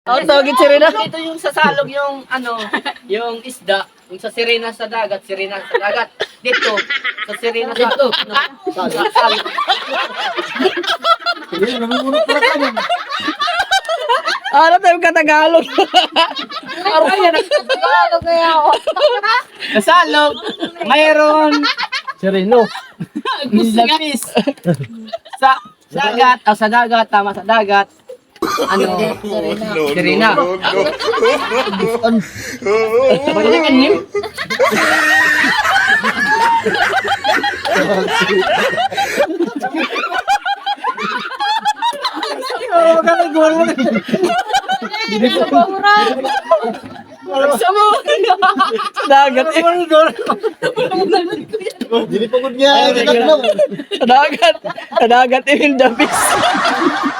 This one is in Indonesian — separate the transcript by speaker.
Speaker 1: Ang tawagin sirena.
Speaker 2: Ito yung sasalog yung yung isda. Yung sa sirena sa dagat, sirena sa dagat. Dito, sa sirena sa sasalog.
Speaker 3: Sige, namumulot pala ka mo.
Speaker 1: Ano tayo katagalog?
Speaker 4: Tagalog kaya ako.
Speaker 2: Sasalog, mayroon
Speaker 1: Sireno.
Speaker 2: lapis. Sa dagat, sa dagat, tama sa dagat. Sirena. Balikan niyo.
Speaker 1: Sa dagat.
Speaker 3: Dili pagod niya.
Speaker 1: Sa dagat. Sa dagat. Emil Davis.